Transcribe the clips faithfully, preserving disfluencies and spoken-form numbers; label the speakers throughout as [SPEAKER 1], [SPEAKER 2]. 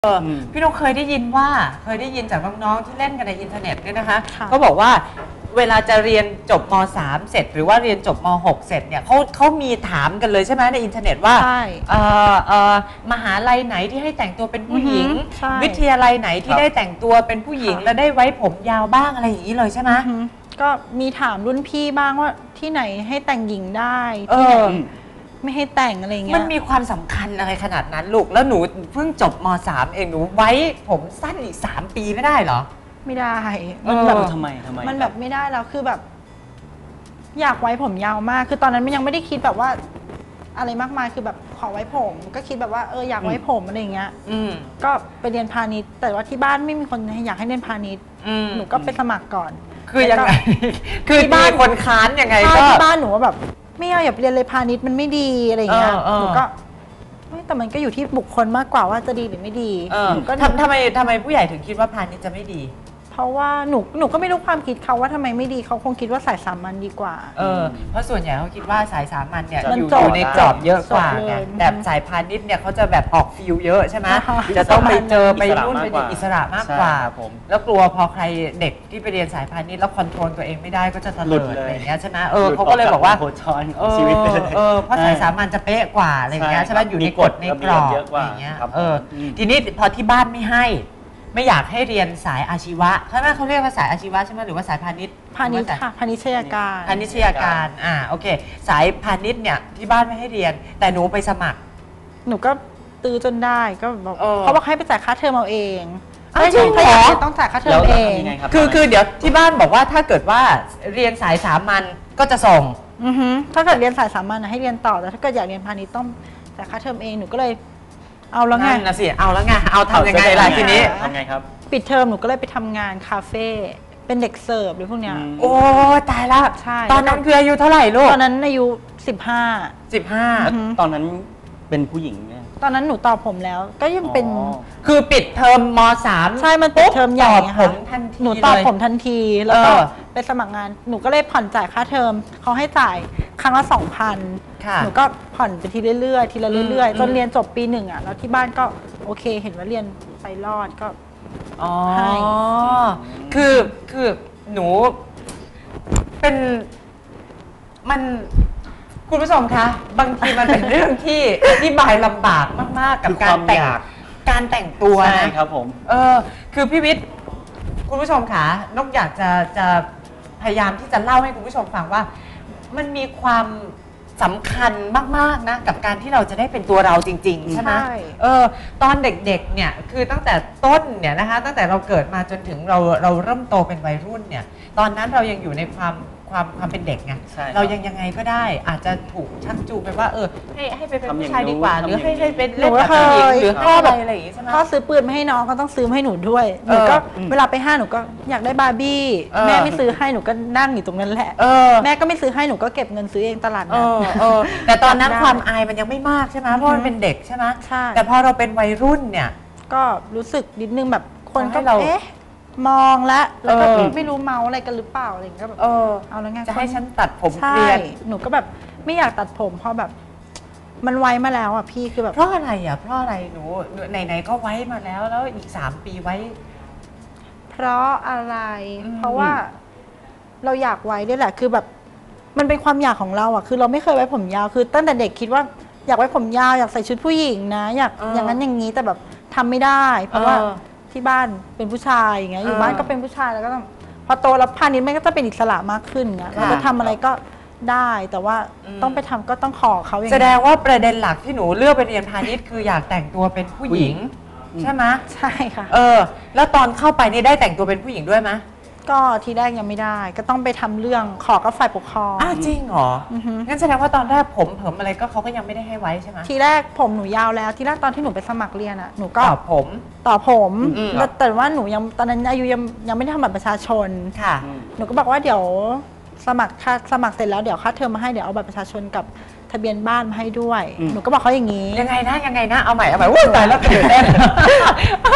[SPEAKER 1] เออพี่นกเคยได้ยินว่าเคยได้ยินจากน้องๆที่เล่นกันในอินเทอร์เน็ตเนี่ยนะคะก็บอกว่าเวลาจะเรียนจบม สาม เสร็จหรือว่าเรียนจบม หก เสร็จเนี่ยเขาเขามีถามกันเลยใช่ไหมในอินเทอร์เน็ตว่าเอ่อเอ่อมหาลัยไหนที่ให้แต่งตัวเป็นผู้หญิงวิทยาลัยไหนที่ได้แต่งตัวเป็นผู้หญิงและได้ไว้ผมยาวบ้างอะไรอย่างนี้เลยใช่ไหม
[SPEAKER 2] ก็มีถามรุ่นพี่บ้างว่าที่ไหนให้แต่งหญิงได้ที่ไหนไม่ให้แต่งอะไรเงี้ย
[SPEAKER 1] มันมีความสำคัญอะไรขนาดนั้นลูกแล้วหนูเพิ่งจบม สาม เองหนูไว้ผมสั้นอีกสามปีไม่ได้เหรอ
[SPEAKER 2] ไม่ได้
[SPEAKER 3] มันแบบทำไมทำไม
[SPEAKER 2] มันแบบไม่ได้แล้วคือแบบอยากไว้ผมยาวมากคือตอนนั้นมันยังไม่ได้คิดแบบว่าอะไรมากมายคือแบบขอไว้ผมก็คิดแบบว่าเอออยากไว้ผมอะไรเงี้ยก็ไปเรียนพาณิชย์แต่ว่าที่บ้านไม่มีคนอยากให้เรียนพาณิชย์หนูก็ไปสมัครก่อน
[SPEAKER 1] คือยังไงคือที่บ้านคนค้านยังไงก็
[SPEAKER 2] ที่บ้านหนูว่าแบบไม่เอาอย่าเรียนเลยพาณิชย์มันไม่ดีอะไรเงี้ยหนูก็แต่มันก็อยู่ที่บุคคลมากกว่าว่าจะดีหรือไม่ดี
[SPEAKER 1] หนูก็ทำทำไมทำไมผู้ใหญ่ถึงคิดว่าพาณิชย์จะไม่ดี
[SPEAKER 2] เพราะว่าหนูหนูก็ไม่รู้ความคิดเขาว่าทำไมไม่ดีเขาคงคิดว่าสายสามัญดีกว่า
[SPEAKER 1] เออเพราะส่วนใหญ่เขาคิดว่าสายสามัญเนี่ยอยู่ในกรอบเยอะกว่าไงแต่สายพาณิชย์เนี่ยเขาจะแบบออกฟิลเยอะใช่ไหมจะต้องไปเจอไปรุ่นเป็นอิสระมากกว่าแล้วกลัวพอใครเด็กที่ไปเรียนสายพาณิชย์แล้วคอนโทรลตัวเองไม่ได้ก็จะตะเลิดอะไรอย่างเงี้ยใช่ไหมเออเขาก็เลยบอกว่าเออเออเพราะสายสามัญจะเป๊ะกว่าอะไรอย่างเงี้ยใช่ไหมอยู่ในกฎในกรอบอย่างเงี้ยเออทีนี้พอที่บ้านไม่ให้ไม่อยากให้เรียนสายอาชีวะใช่ไหมเขาเรียกว่าสายอาชีวะใช่ไหมหรือว่าสายพาณิชย์
[SPEAKER 2] พาณิชย์ค่ะพาณิชยการ
[SPEAKER 1] พาณิชยการอ่าโอเคสายพาณิชย์เนี่ยที่บ้านไม่ให้เรียนแต่หนูไปสมัคร
[SPEAKER 2] หนูก็ตื้อจนได้ก็บอกเขาบอกให้ไปจ่ายค่าเทอมเอาเอง
[SPEAKER 1] จริงเหรอ
[SPEAKER 2] ต้องจ่ายค่าเทอมเอง
[SPEAKER 1] คือคือเดี๋ยวที่บ้านบอกว่าถ้าเกิดว่าเรียนสายสามัญก็จะส่ง
[SPEAKER 2] ถ้าเกิดเรียนสายสามัญให้เรียนต่อแต่ถ้าเกิดอยากเรียนพาณิชย์ต้องจ่ายค่าเทอมเองหนูก็เลยเอาแล้วไง
[SPEAKER 1] นะสิเอาแล้วไงเอาทำยังไงล่ะทีนี้
[SPEAKER 3] ทำไงครับ
[SPEAKER 2] ปิดเทอมหนูก็เลยไปทำงานคาเฟ่เป็นเด็กเสิร์ฟหรือพวกเนี้ย
[SPEAKER 1] โอ้ตายละ
[SPEAKER 2] ใช่
[SPEAKER 1] ตอนนั้นคืออายุเท่าไหร่ลูก
[SPEAKER 2] ตอนนั้นอายุสิบห้า
[SPEAKER 1] สิบห้า
[SPEAKER 3] ตอนนั้นเป็นผู้หญิงเนี่ย
[SPEAKER 2] ตอนนั้นหนูต่อผมแล้วก็ยังเป็น
[SPEAKER 1] คือปิดเทอมม.สาม
[SPEAKER 2] ใช่มันปิดเทอมใหญ่
[SPEAKER 1] ผมทันที
[SPEAKER 2] หนูต่อผมทันทีแล้วก็ไปสมัครงานหนูก็เลยผ่อนจ่ายค่าเทอมเขาให้จ่ายครั้งละสองพันหนูก็ผ่อนไปทีเรื่อยๆทีละเรื่อยๆจนเรียนจบปีหนึ่งอ่ะแล้วที่บ้านก็โอเคเห็นว่าเรียนไปรอดก็
[SPEAKER 1] อ๋อคือคือหนูเป็นมันคุณผู้ชมคะบางทีมันเป็นเรื่องที่อธิบายลำบากมากๆกับการแต่งการแต่งตัว
[SPEAKER 3] นะครับผม
[SPEAKER 1] เออคือพี่วิทย์คุณผู้ชมคะนกอยากจะจะพยายามที่จะเล่าให้คุณผู้ชมฟังว่ามันมีความสำคัญมากๆนะกับการที่เราจะได้เป็นตัวเราจริงๆใช่ไหมเออตอนเด็กๆเนี่ยคือตั้งแต่ต้นเนี่ยนะคะตั้งแต่เราเกิดมาจนถึงเราเราเริ่มโตเป็นวัยรุ่นเนี่ยตอนนั้นเรายังอยู่ในความความความเป็นเด็กไงเรายังยังไงก็ได้อาจจะถูกชักจูงไปว่าเออให้ให้ไปเป็นผู้ชายดีกว่าหรือให้ให้เป็นเล่นแบบผู้หญิงหรือพ่อแบบอะไรอย่างงี้ใช่ไหม
[SPEAKER 2] พ่อซื้อปืนมาให้น้องก็ต้องซื้อให้หนูด้วยหนูก็เวลาไปห้างหนูก็อยากได้บาร์บี้แม่ไม่ซื้อให้หนูก็นั่งอยู่ตรงนั้นแหละแม่ก็ไม่ซื้อให้หนูก็เก็บเงินซื้อเองตลาดนัด
[SPEAKER 1] แต่ตอนนั้นความอายมันยังไม่มากใช่ไหมเพราะมันเป็นเด็กใช่ไหมแต่พอเราเป็นวัยรุ่นเนี่ย
[SPEAKER 2] ก็รู้สึกนิดนึงแบบคนก็เอ๊ะมองแล้วแล้วก็ไม่รู้เมาอะไรกันหรือเปล่าอะไรอย่างเงี้ยแบบเออเอาแล้วไง
[SPEAKER 1] จะให้ฉันตัดผมเปลี่ยน
[SPEAKER 2] หนูก็แบบไม่อยากตัดผมเพราะแบบมันไว้มาแล้วอ่ะพี่คือแบบ
[SPEAKER 1] เพราะอะไรอ่ะเพราะอะไรหนูไหนๆก็ไว้มาแล้วแล้วอีกสามปีไว้
[SPEAKER 2] เพราะอะไรเพราะว่าเราอยากไว้ด้วยแหละคือแบบมันเป็นความอยากของเราอ่ะคือเราไม่เคยไว้ผมยาวคือตั้งแต่เด็กคิดว่าอยากไว้ผมยาวอยากใส่ชุดผู้หญิงนะอยากอย่างนั้นอย่างนี้แต่แบบทำไม่ได้เพราะว่าที่บ้านเป็นผู้ชายอย่างเงี้ยอยู่บ้านก็เป็นผู้ชายแล้วก็ต้องพอโตแล้วพาณิชย์มันก็จะเป็นอิสระมากขึ้นเงี้ยเราจะทำอะไรก็ได้แต่ว่าต้องไปทำก็ต้องขอเขาอย่าง
[SPEAKER 1] แสดงว่าประเด็นหลักที่หนูเลือกไปเรียนพาณิชย์คืออยากแต่งตัวเป็นผู้หญิงใช่ไหม
[SPEAKER 2] ใช่ค่ะ
[SPEAKER 1] เออแล้วตอนเข้าไปนี่ได้แต่งตัวเป็นผู้หญิงด้วยไหม
[SPEAKER 2] ก็ทีแรกยังไม่ได้ก็ต้องไปทำเรื่องขอกับฝ่ายปกครอง
[SPEAKER 1] อ้าวจริงเหรองั้นแสดงว่าตอนแรกผมเผิมอะไรก็เขาก็ยังไม่ได้ให้ไว้ใช่ไหม
[SPEAKER 2] ทีแรกผมหนูยาวแล้วทีแรกตอนที่หนูไปสมัครเรียนอ่ะหนูก็
[SPEAKER 1] ต่อผม
[SPEAKER 2] ต่อผมแต่ว่าหนูยังตอนนั้นอายุยังยังไม่ได้ทำบัตรประชาชน
[SPEAKER 1] ค่ะ
[SPEAKER 2] หนูก็บอกว่าเดี๋ยวสมัครค่าสมัครเสร็จแล้วเดี๋ยวค่าเทอมมาให้เดี๋ยวเอาบัตรประชาชนกับทะเบียนบ้านมาให้ด้วยหนูก็บอกเขาอย่างนี้
[SPEAKER 1] ยังไงนะยังไงนะเอาใหม่เอาใหม่ว้าวตายแล้วตื่นเต้นคือ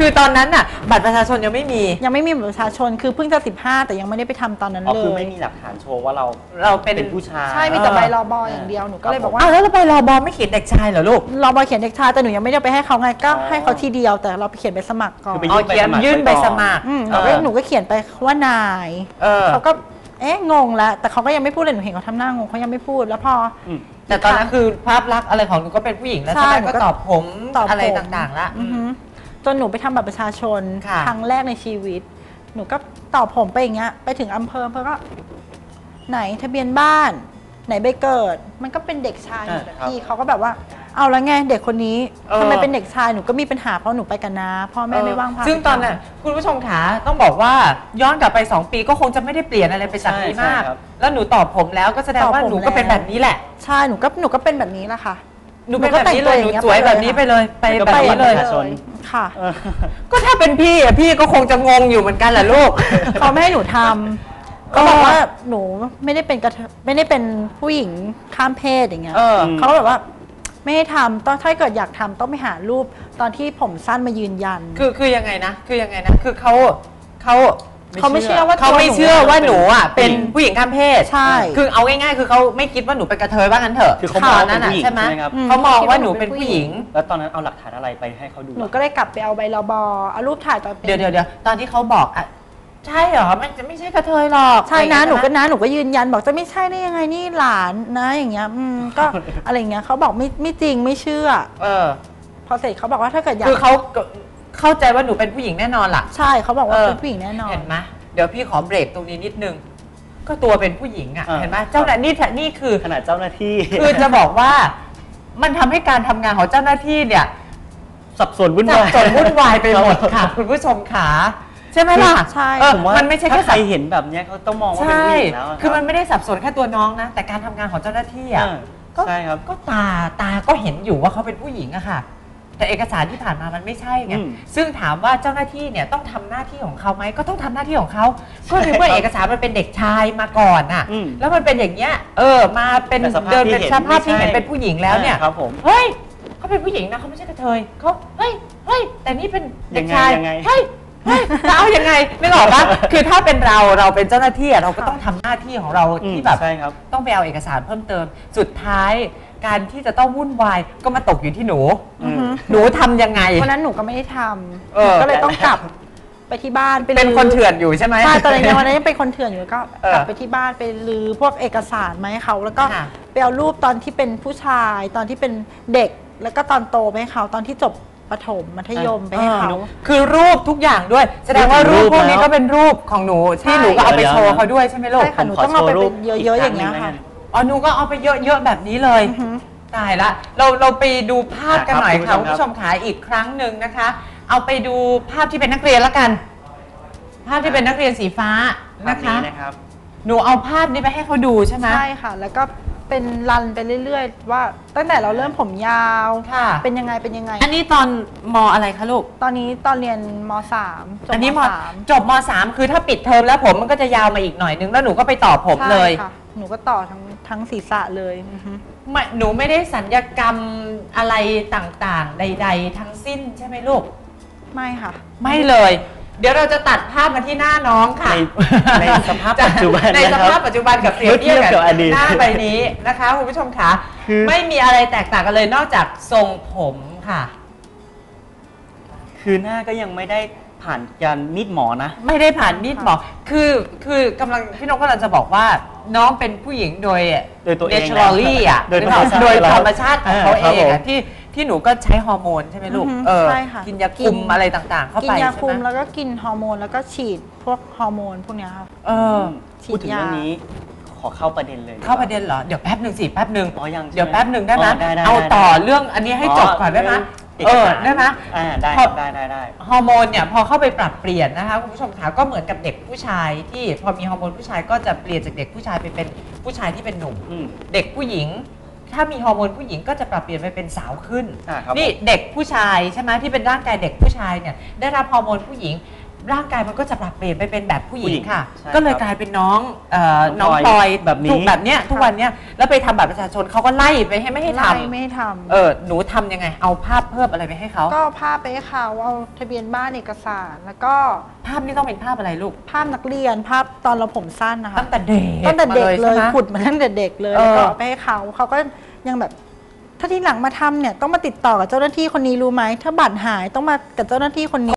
[SPEAKER 1] คือตอนนั้นน่ะบัตรประชาชนยังไม่มี
[SPEAKER 2] ยังไม่มีบัตรประชาชนคือเพิ่งจะสิบห้าแต่ยังไม่ได้ไปทำตอนนั้น
[SPEAKER 3] อ๋อ
[SPEAKER 2] เล
[SPEAKER 3] คือย ไม่มีหลักฐานโชว์ว่าเรา
[SPEAKER 1] เราเป็น
[SPEAKER 3] เป็นผู้ชาย
[SPEAKER 2] ใช่มีแต่ใบรอบออย่างเดียวหนูก็เลยบอกว่า
[SPEAKER 1] อ้าวแล้วเราไปรอบอไม่เขียนเด็กชายเหรอลูก
[SPEAKER 2] รอบอเขียนเด็กชายแต่หนูยังไม่ได้ไปให้เขาไงก็
[SPEAKER 3] อ๋อ
[SPEAKER 2] ให้เขาทีเดียวแต่เราไปเขียนใบสมัครก่อน
[SPEAKER 3] คือไป
[SPEAKER 1] อ๋อเขียนยื่นใบสมัคร
[SPEAKER 2] อืม
[SPEAKER 1] เอ
[SPEAKER 2] หนูก็
[SPEAKER 1] อ
[SPEAKER 2] หนูก็เขียนไปว่านาย
[SPEAKER 1] เออ
[SPEAKER 2] เขาก็เอ๊ะงงแล้วแต่เขาก็ยังไม่พูดเลยหนูเห็นเขาทำหน้างงเขายังไม่พูดแล้วพอ
[SPEAKER 3] อืม
[SPEAKER 1] แต่ตอนนั้นคือภาพลักษณ์อะไรของหนูก็เป็นผู้หญิงแล้ว
[SPEAKER 2] ใช่
[SPEAKER 1] ใช่ไหม
[SPEAKER 2] หนูก็
[SPEAKER 1] ก็ตอบผม
[SPEAKER 2] ตอบผม
[SPEAKER 1] อะไรต่างๆละ
[SPEAKER 2] อือหือจนหนูไปทำบัตรประชาชน
[SPEAKER 1] ค่ะ
[SPEAKER 2] ครั้งแรกในชีวิต หนูก็ตอบผมไปอย่างเงี้ยไปถึงอำเภออำเภอก็ ไหนทะเบียนบ้าน ไหนใบเกิด มันก็เป็นเด็กชายหมดอะ
[SPEAKER 3] อ่าครับ
[SPEAKER 2] พี่เขาก็แบบว่า เอาแล้วไงเด็กคนนี้
[SPEAKER 1] เออ
[SPEAKER 2] ทำไมเป็นเด็กชายหนูก็มีปัญหาเพราะหนูไปกันนะพ่อแม่ไม่ว่างพา
[SPEAKER 1] ซึ่ง
[SPEAKER 2] ไป
[SPEAKER 1] ตอนนั้นคุณผู้ชมขาต้องบอกว่าย้อนกลับไป สอง ปีก็คงจะไม่ได้เปลี่ยนอะไรไปจากนี้
[SPEAKER 3] ใช่
[SPEAKER 1] มาก
[SPEAKER 3] ใช่ครับ
[SPEAKER 1] แล้วหนูตอบผมแล้วก็แสดงว่า
[SPEAKER 2] ตอบผม
[SPEAKER 1] หนูก็เป็น
[SPEAKER 2] แล้ว
[SPEAKER 1] แบบนี้แหละ
[SPEAKER 2] ใช่หนูก็หนูก็เป็นแบบนี้แหละค่ะ
[SPEAKER 1] หนูเป็นแบบนี้เลย
[SPEAKER 2] หนู
[SPEAKER 1] หนู
[SPEAKER 2] ก็แต่งตัวอย่างเงี้ย
[SPEAKER 1] สวยแบบนี้ไปเลยไป
[SPEAKER 3] แล้วก็
[SPEAKER 1] แบบ
[SPEAKER 3] ไป
[SPEAKER 1] นี้เลย
[SPEAKER 3] ประชาชน
[SPEAKER 2] ค่ะ
[SPEAKER 3] เออ
[SPEAKER 1] ก็ถ้าเป็นพี่อ่ะพี่ก็คงจะงงอยู่เหมือนกันแหละลูก
[SPEAKER 2] เขาไม่ให้หนูทำก็บอกว่าหนูไม่ได้เป็นกระเทยไม่ได้เป็นผู้หญิงข้ามเพศอย่างเงี้ย
[SPEAKER 1] เออ
[SPEAKER 2] เขาก็แบบว่าไม่ให้ทำต้องถ้าเกิดอยากทำต้องไปหารูปตอนที่ผมสั้นมายืนยัน
[SPEAKER 1] คือคือยังไงนะ คือยังไงนะ คือเขาเขา
[SPEAKER 2] เขาไม่เชื่อว่า
[SPEAKER 1] เขาไม่เชื่อว่าหนูอ่ะเป็น
[SPEAKER 3] เป็น
[SPEAKER 1] ผู้หญิงข้ามเพศ
[SPEAKER 2] ใช่
[SPEAKER 1] คือเอาง่ายๆคือเขาไม่คิดว่าหนูเป็นกระเทยว่างั้นเถอะ
[SPEAKER 3] คือเขามอง
[SPEAKER 1] ตนนั้น
[SPEAKER 3] เป็นผู้หญิง
[SPEAKER 1] ใช่ไหม
[SPEAKER 3] ใช่ไหมครับ
[SPEAKER 2] อืม
[SPEAKER 1] เขามองว่าหนูเป็นผู้หญิง
[SPEAKER 3] แล้วตอนนั้นเอาหลักฐานอะไรไปให้เขาดู
[SPEAKER 2] หนูก็เลยกลับไปเอาใบรบอเอารูปถ่ายตอนเป็น
[SPEAKER 1] เดี๋ยวเดี๋ยวเดี๋ยวตอนที่เขาบอกอ่ะใช่เหรอมันจะไม่ใช่กระเทยหรอก
[SPEAKER 2] ใช่นะ
[SPEAKER 1] อะไร
[SPEAKER 2] หนู
[SPEAKER 1] อย่าง
[SPEAKER 2] ก็
[SPEAKER 1] เงี้ย
[SPEAKER 2] นะหนูก็ยืนยันบอกจะไม่ใช่ได้ยังไงนี่หลานนะอย่างเงี้ยอืมก็ อะไรอย่างเงี้ยเขาบอกไม่ไม่จริงไม่เชื่อ
[SPEAKER 1] เออ
[SPEAKER 2] พอเสร็จเขาบอกว่าถ้าเกิดอยาก
[SPEAKER 1] คือเขาเข้าใจว่าหนูเป็นผู้หญิงแน่นอนล่ะ
[SPEAKER 2] ใช่เขาบอกว่า
[SPEAKER 1] เออ
[SPEAKER 2] เป็นผู้หญิงแน่นอน
[SPEAKER 1] เห็นไหมเดี๋ยวพี่ขอเบรกตรงนี้นิดนึง ก็ตัวเป็นผู้หญิงอ่ะ
[SPEAKER 3] อ่า
[SPEAKER 1] เห็นไหมเจ้าหน้านี่นี่คือ
[SPEAKER 3] ขนาดเจ้าหน้าที่
[SPEAKER 1] คือจะบอกว่ามันทำให้การทำงานของเจ้าหน้าที่เนี่ย
[SPEAKER 3] สับสนวุ่น
[SPEAKER 1] สับ
[SPEAKER 3] วาย
[SPEAKER 1] สนวุ่นวายไปหมดค่ะ คุณผู้ชมขาใช่ไหมล่ะ
[SPEAKER 2] ใช่
[SPEAKER 1] เออ
[SPEAKER 3] ผมว่า
[SPEAKER 1] มันไม่ใช่
[SPEAKER 3] ถ้า
[SPEAKER 1] แค่
[SPEAKER 3] ใคร
[SPEAKER 1] สับ
[SPEAKER 3] เห็นแบบเนี้ยเขาต้องมองว่าเป็น
[SPEAKER 1] ใช่
[SPEAKER 3] ผู้หญิงแล้วะ
[SPEAKER 1] คือมัน
[SPEAKER 3] รับ
[SPEAKER 1] ไม่ได้สับสนแค่ตัวน้องนะ แต่การทำงานของเจ้าหน้าที่อ่ะ
[SPEAKER 3] อ่า
[SPEAKER 1] ก็
[SPEAKER 3] ใช่ครับ
[SPEAKER 1] ก็ตาตาก็เห็นอยู่ว่าเขาเป็นผู้หญิงอะค่ะ แต่เอกสารที่ผ่านมามันไม่ใช่ไง
[SPEAKER 3] อืม
[SPEAKER 1] ซึ่งถามว่าเจ้าหน้าที่เนี่ยต้องทำหน้าที่ของเขาไหมก็ต้องทำหน้าที่ของเขาก็ในเมื่อเอกสารมันเป็นเด็กชายมาก่อนน่ะ
[SPEAKER 3] อืม
[SPEAKER 1] แล้วมันเป็นอย่างเงี้ยเออมาเป็น
[SPEAKER 3] แต่สภาพ
[SPEAKER 1] เดิน
[SPEAKER 3] ที่
[SPEAKER 1] เป็น
[SPEAKER 3] เห็น
[SPEAKER 1] สภาพที่
[SPEAKER 3] ไม่ใช่
[SPEAKER 1] เห็นเป็นผู้หญิงแล้วเนี่ย
[SPEAKER 3] อ่าครับผม
[SPEAKER 1] เฮ้ยเขาเป็นผู้หญิงนะเขาไม่ใช่กระเทยเขาเฮ้ยเฮ้ยแต่นี่เป็นเด็กชาย
[SPEAKER 3] ยังไงยังไง
[SPEAKER 1] เฮ้ยเฮ้ยจะเอายังไงไม่หรอกปะคือถ้าเป็นเราเราเป็นเจ้าหน้าที่อะเราก็ต้องทำหน้าที่ของเรา
[SPEAKER 3] อืม
[SPEAKER 1] ที่แบบ
[SPEAKER 3] ใช่ครับ
[SPEAKER 1] ต้องไปเอาเอกสารเพิ่มเติม สุดท้ายการที่จะต้องวุ่นวายก็มาตกอยู่ที่หนู
[SPEAKER 2] อือฮึ
[SPEAKER 1] หนูทำยังไง
[SPEAKER 2] วันนั้นหนูก็ไม่ได้ท
[SPEAKER 1] เออ
[SPEAKER 2] ำก็เลยต้องกลับไปที่บ้านไป
[SPEAKER 1] เป็นคนเถื่อนอยู่ใช่ไหม
[SPEAKER 2] ใช่ตอนนั้นวันนั้นยังเป็นคนเถื่อนอยู่ก็
[SPEAKER 1] เออ
[SPEAKER 2] กลับไปที่บ้านไปลือพวกเอกสารมาให้เขาแล้วก็
[SPEAKER 1] ค่ะ
[SPEAKER 2] ไปเอารูปตอนที่เป็นผู้ชาย ตอนที่เป็นเด็กแล้วก็ตอนโตไปให้เขาตอนที่จบประถมมัธยมไปให้เขา
[SPEAKER 1] คือรูปทุกอย่างด้วย แสดงว่ารูปพวกนี้ก็เป็นรูปของหนูที่
[SPEAKER 2] ใช่
[SPEAKER 1] หนูก็เอาไปโชว์เขาด้วยใช่ไหมลูก
[SPEAKER 2] ใช่ค่ะหนูต้องเอาไปเป็นเยอะๆอย่างเงี้ยค่ะ
[SPEAKER 1] อ๋อหนูก็เอาไปเยอะๆแบบนี้เลย
[SPEAKER 2] อือฮึ
[SPEAKER 1] ตายละเราเราไปดูภาพกันหน่อย
[SPEAKER 3] ครั
[SPEAKER 1] ค่ะ
[SPEAKER 3] บ
[SPEAKER 1] คุณผู้ชมขาอีกครั้งหนึ่งนะคะ เอาไปดูภาพที่เป็นนักเรียนละกัน ภาพที่เป็นนักเรียนสีฟ้า
[SPEAKER 3] ภาพ
[SPEAKER 1] นะคะ
[SPEAKER 3] นี้นะครับ
[SPEAKER 1] หนูเอาภาพนี้ไปให้เขาดูใช่ไหม
[SPEAKER 2] ใช่ค่ะ แล้วก็เป็นรันไปเรื่อยๆ ว่าตั้งแต่เราเริ่มผมยาว
[SPEAKER 1] ค่ะ
[SPEAKER 2] เป็นยังไงเป็นยังไง
[SPEAKER 1] อันนี้ตอนมอะไรคะลูก
[SPEAKER 2] ตอนนี้ตอนเรียนมสามจบ
[SPEAKER 1] อันนี้ม
[SPEAKER 2] สาม
[SPEAKER 1] จบมสามคือถ้าปิดเทอมแล้วผมมันก็จะยาวมาอีกหน่อยนึงแล้วหนูก็ไปต่อผมเลย
[SPEAKER 2] ใช่ค่ะ หนูก็ต่อทั้งทั้งศีรษะเลยอือฮึ
[SPEAKER 1] ไม่หนูไม่ได้สัญญกรรมอะไรต่างๆ ใด ๆ ทั้งสิ้นใช่ไหมลูก
[SPEAKER 2] ไม่ค่ะ
[SPEAKER 1] ไม่เลย เดี๋ยวเราจะตัดภาพมาที่หน้าน้องค่ะ
[SPEAKER 3] ในในสภาพปัจจุบัน
[SPEAKER 1] ในสภาพปัจจุบันกับเปรียบเทียบ
[SPEAKER 3] เมื่อเทียบกับอดีต
[SPEAKER 1] หน้าใบนี้นะคะคุณผู้ชมคะ
[SPEAKER 3] คือ
[SPEAKER 1] ไม่มีอะไรแตกต่างกันเลยนอกจากทรงผมค่ะ
[SPEAKER 3] คือหน้าก็ยังไม่ได้ผ่านการมีดหมอนะ
[SPEAKER 1] ไม่ได้ผ่านมีดหมอคือคือกำลังพี่นกกำลังจะบอกว่าน้องเป็นผู้หญิงโดย
[SPEAKER 3] โดยตัวเอง
[SPEAKER 1] naturally อ่ะ
[SPEAKER 3] โดยธรรมชาติ
[SPEAKER 1] โดยธรรมชาติของเขา
[SPEAKER 3] อ่า
[SPEAKER 1] เอ
[SPEAKER 3] ครับ
[SPEAKER 1] ง
[SPEAKER 3] ผม
[SPEAKER 1] อะที่ที่หนูก็ใช้ฮอร์โมนใช่ไหมลูก
[SPEAKER 2] อือฮึ
[SPEAKER 1] เออ
[SPEAKER 2] ใช่ค่ะ
[SPEAKER 1] กินยาคุมอะไรต่างๆ เข้า
[SPEAKER 2] กิ
[SPEAKER 1] ไป
[SPEAKER 2] นยา
[SPEAKER 1] ใช่
[SPEAKER 2] คุม
[SPEAKER 1] ไหม
[SPEAKER 2] แล้วก็กินฮอร์โมนแล้วก็ฉีดพวกฮอร์โมนพวกเนี้ยค่ะ
[SPEAKER 1] เออ
[SPEAKER 2] ฉีด
[SPEAKER 3] พูดถึง
[SPEAKER 2] ยา
[SPEAKER 3] เรื่องนี้ขอเข้าประเด็นเลย
[SPEAKER 1] เข้าประเด็นเหรอเดี๋ยวแป๊บหนึ่งสิแป๊บหนึ่ง
[SPEAKER 3] อ๋อยังใช่ไหม
[SPEAKER 1] เดี๋ยวแป๊บหนึ่งได้ไหม
[SPEAKER 3] อ๋อได้ได้
[SPEAKER 1] เอา
[SPEAKER 3] ได้
[SPEAKER 1] ต่อเรื่องอันนี้ให้จบก่อนได้ไหม
[SPEAKER 3] เอ
[SPEAKER 1] เอ
[SPEAKER 3] อ
[SPEAKER 1] อได้ไหม
[SPEAKER 3] อ่าได้
[SPEAKER 1] พอ
[SPEAKER 3] ได้ได้ได้
[SPEAKER 1] ฮอร์โมนเนี่ยพอเข้าไปปรับเปลี่ยนนะคะคุณผู้ชมคะก็เหมือนกับเด็กผู้ชายที่พอมีฮอร์โมนผู้ชายก็จะเปลี่ยนจากเด็กผู้ชายไปเป็นผู้ชายที่เป็นหนุ่ม
[SPEAKER 3] อืม
[SPEAKER 1] เด็กผู้หญิง ถ้ามีฮอร์โมนผู้หญิงก็จะปรับเปลี่ยนไปเป็นสาวขึ้น
[SPEAKER 3] อ่าครับ
[SPEAKER 1] นี่
[SPEAKER 3] ผม
[SPEAKER 1] เด็กผู้ชายใช่ไหมที่เป็นร่างกายเด็กผู้ชายเนี่ยได้รับฮอร์โมนผู้หญิงร่างกายมันก็จะปรับเปลี่ยนไปเป็นแบบผู้หญิ
[SPEAKER 3] ผู้
[SPEAKER 1] ง
[SPEAKER 3] หญิง
[SPEAKER 1] ค่ะ
[SPEAKER 3] ใช่
[SPEAKER 1] ก็เลย
[SPEAKER 3] ครับ
[SPEAKER 1] กลายเป็นน้องเอ่อ
[SPEAKER 3] น้
[SPEAKER 1] น้อ
[SPEAKER 3] อง ง
[SPEAKER 1] ป
[SPEAKER 3] ป
[SPEAKER 1] อ
[SPEAKER 3] อย ยแบบนี้
[SPEAKER 1] ถูกแบบเนี้ยทุกวันเนี้ยแล้วไปทำบัตรประชาชนเขาก็ไล่ไปให้ไม่ให้ท
[SPEAKER 2] ไล่ไม่ให้ท
[SPEAKER 1] ำเออหนูทำยังไง เอาภาพเพิ่มอะไรไปให้เขา
[SPEAKER 2] ำก็ภาพไปให้เขาเอาทะเบียนบ้านเอกสาร แล้วก็
[SPEAKER 1] ภาพนี้ต้องเป็นภาพอะไรลูก
[SPEAKER 2] ภาพนักเรียนภาพตอนเราผมสั้นนะคะ
[SPEAKER 1] ตั้งแต่เด็ก
[SPEAKER 2] ตั้งแต่เด็ก
[SPEAKER 1] มา
[SPEAKER 2] เลย
[SPEAKER 1] ใช่ไหม
[SPEAKER 2] ขุดมาตั้งแต่เด็กเลย
[SPEAKER 1] เออ
[SPEAKER 2] แล้วก็เอาไปให้เขาเขาก็ยังแบบ ถ้าที่หลังมาทำเนี่ยต้องมาติดต่อกับเจ้าหน้าที่คนนี้รู้ไหมถ้าบัตรหายต้องมากับเจ้าหน้าที่คนนี้